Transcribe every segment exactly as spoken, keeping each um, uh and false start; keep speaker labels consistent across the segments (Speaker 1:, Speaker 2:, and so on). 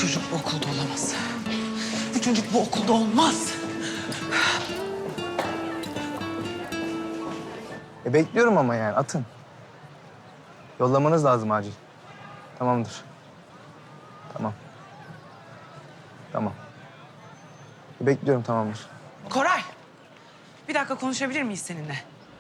Speaker 1: çocuk bu okulda olamaz. Bu çocuk bu okulda olmaz.
Speaker 2: E bekliyorum ama yani atın. Yollamanız lazım acil. Tamamdır. Tamam. Tamam. E bekliyorum tamamdır.
Speaker 1: Koray, bir dakika konuşabilir miyiz seninle?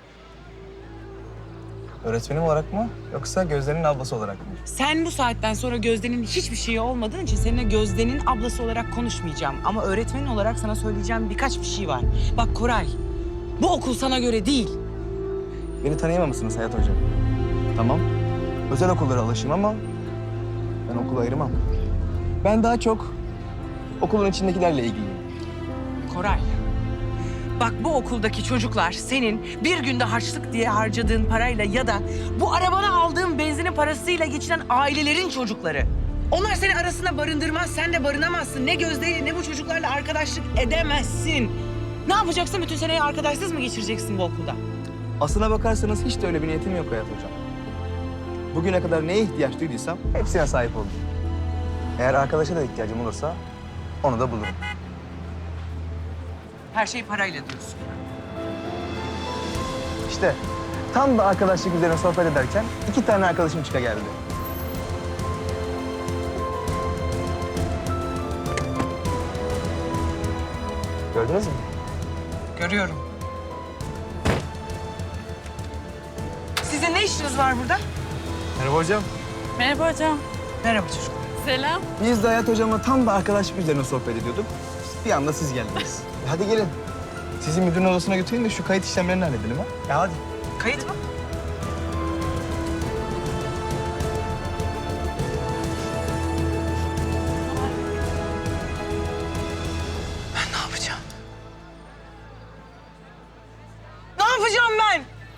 Speaker 2: Öğretmenim olarak mı yoksa Gözde'nin ablası olarak mı?
Speaker 1: Sen bu saatten sonra Gözde'nin hiçbir şeyi olmadığın için seninle Gözde'nin ablası olarak konuşmayacağım. Ama öğretmenin olarak sana söyleyeceğim birkaç bir şey var. Bak Koray, bu okul sana göre değil.
Speaker 2: Beni tanıyamamışsınız Hayat Hocam. Tamam. Özel okullara alışayım ama ben okulu ayırmam. Ben daha çok okulun içindekilerle ilgiliyim.
Speaker 1: Koray, bak bu okuldaki çocuklar senin bir günde harçlık diye harcadığın parayla ya da bu arabana aldığın benzinin parasıyla geçinen ailelerin çocukları. Onlar seni arasında barındırmaz, sen de barınamazsın. Ne Gözde'yle ne bu çocuklarla arkadaşlık edemezsin. Ne yapacaksın? Bütün seneyi arkadaşsız mı geçireceksin bu okulda?
Speaker 2: Aslına bakarsanız hiç de öyle bir niyetim yok Hayat Hocam. Bugüne kadar neye ihtiyaç duyduysam hepsine sahip oldum. Eğer arkadaşa da ihtiyacım olursa onu da bulurum.
Speaker 1: Her şey parayla diyorsun.
Speaker 2: İşte tam da arkadaşlık üzerine sohbet ederken iki tane arkadaşım çıka geldi. Gördünüz mü?
Speaker 1: Görüyorum. Sizin ne işiniz var burada?
Speaker 2: Merhaba hocam.
Speaker 3: Merhaba hocam.
Speaker 1: Merhaba çocuklar.
Speaker 3: Selam.
Speaker 2: Biz de Hayat Hocam'la tam da arkadaşlık üzerine sohbet ediyorduk. Bir anda siz geldiniz. E hadi gelin. Sizi müdürün odasına götüreyim de şu kayıt işlemlerini halledelim ha. Ya hadi.
Speaker 1: Kayıt mı? Ben ne yapacağım? Ne yapacağım ben?